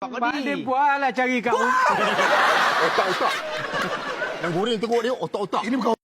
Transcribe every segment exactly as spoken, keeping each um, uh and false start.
Pak Pak Din buatlah cari kat rumah. Otak-otak. Yang goreng tengok dia otak-otak. Ini bukan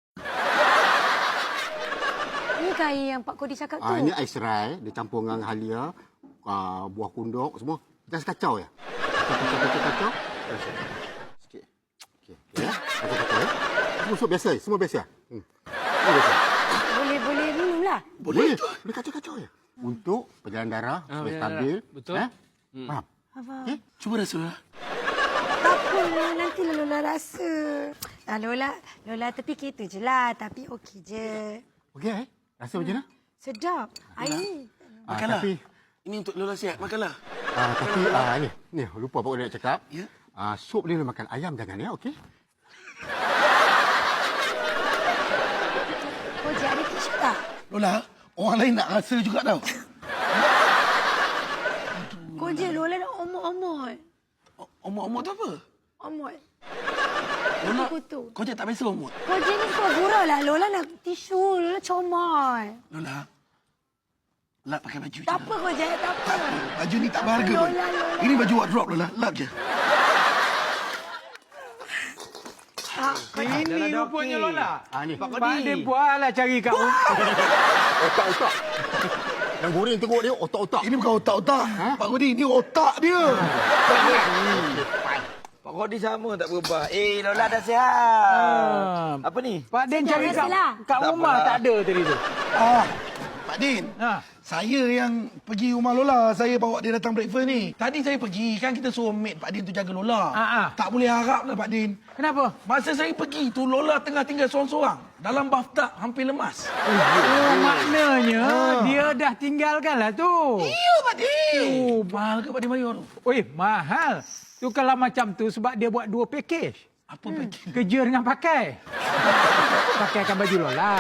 Ni air yang Pak Kodi cakap tu. Ah, ini ais serai, dia campur dengan halia, ah, buah kunduk semua. Just kacau ya. Kacau, kacau, kacau. Sikit. Okey. Ya. Kacau, kacau ya. Semua semua biasa, semua biasa. Hmm. Semua biasa. Boleh, boleh minum lah. Boleh. Boleh kacau-kacau ya. Untuk perjalanan darah Ah, supaya perjalanan stabil. darah. Betul. Eh? Hmm. Faham? Apa? Okey? Cuba rasa lah. Tak apa, nanti Lola rasa. Ah, Lola, Lola terfikir tu je lah. Tapi okey je. Okey eh? Rasa macam mana? Sedap. Air ni. Ah, Makanlah. tapi Ini untuk Lola sihat. Makanlah. ah, tapi ah, ni, ni lupa Pak Kodi nak cakap. Ya. Ah, sup ni boleh makan, ayam jangan ya, okey? Koji ada tisu tak? Lola, orang lain nak rasa juga tau. Koji, Lola nak omot-omot. Omot-omot tu apa? Omot. Lola, Kutu. kau je tak biasa omot. Koji ni suka gurau lah. Lola nak tisu. Lola comot. Lola, lap pakai baju je. Tak apa, Koji. Tak apa. Baju ni tak berharga pun. Lola, Lola. Ini baju wardrobe Lola. Lap je. Ah, Ini rupanya Lola. Ah, ni. Pak Din buatlah cari kat rumah. Otak-otak. Yang goreng tengok dia otak-otak. Ini bukan otak-otak. Pak Kodi, ini otak dia. Pak Kodi sama tak berubah. Eh, Lola dah sihat. Apa ni? Pak Din cari kat, biasalah. kat Tak rumah apa. tak ada tadi tu. Ah, Pak Din. Ha. Saya yang pergi rumah Lola. Saya bawa dia datang breakfast ni. Tadi saya pergi, kan kita suruh maid Pak Din tu jaga Lola. Ah, ah. Tak boleh harap lah Pak Din. Kenapa? Masa saya pergi tu, Lola tengah tinggal seorang-seorang. Dalam bathtub, hampir lemas. Oh, maknanya dia dah tinggalkan lah tu. Iya Pak Din. Oh, mahal ke Pak Din bayar tu? Oi, mahal. Tu kalau macam tu sebab dia buat dua package. Apa hmm. Pak Din? Kerja dengan pakai. Pakaikan baju Lola.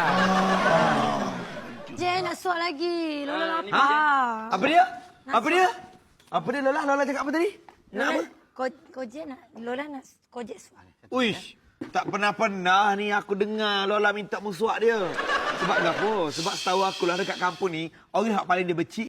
Jen nak suap lagi. Lola lapar. Ha? Apa dia? Apa dia? Apa dia Lola? Lola cakap apa tadi? Nak Lola, apa? Ko, Koji nak, Lola nak Koji suap. Uish, tak pernah-pernah ni aku dengar Lola minta musuak dia. Sebab apa? Sebab setahu aku lah dekat kampung ni, orang yang paling dia becik